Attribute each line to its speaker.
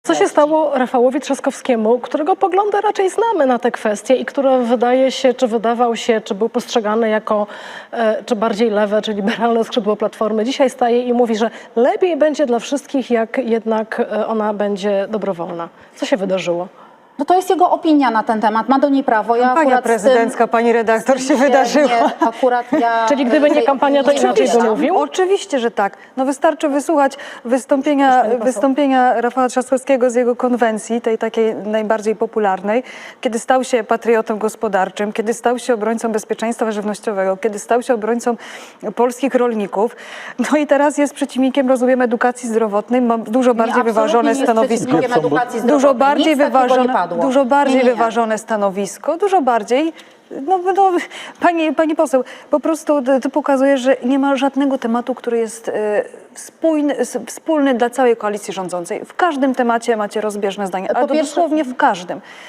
Speaker 1: Co się stało Rafałowi Trzaskowskiemu, którego poglądy raczej znamy na te kwestie i który wydaje się, czy wydawał się, czy był postrzegany jako czy bardziej lewe, czy liberalne skrzydło Platformy. Dzisiaj staje i mówi, że lepiej będzie dla wszystkich, jak jednak ona będzie dobrowolna. Co się wydarzyło?
Speaker 2: No to jest jego opinia na ten temat, ma do niej prawo.
Speaker 3: Kampania prezydencka, pani redaktor, się wydarzyła.
Speaker 1: Czyli gdyby nie kampania, to inaczej by mówił?
Speaker 3: Oczywiście, że tak. No wystarczy wysłuchać wystąpienia Rafała Trzaskowskiego z jego konwencji, tej takiej najbardziej popularnej, kiedy stał się patriotą gospodarczym, kiedy stał się obrońcą bezpieczeństwa żywnościowego, kiedy stał się obrońcą polskich rolników. No i teraz jest przeciwnikiem, rozumiem, edukacji zdrowotnej, ma dużo bardziej wyważone stanowisko. Dużo bardziej wyważone stanowisko, dużo bardziej. Pani poseł, po prostu to pokazuje, że nie ma żadnego tematu, który jest wspólny dla całej koalicji rządzącej. W każdym temacie macie rozbieżne zdania, a dosłownie w każdym.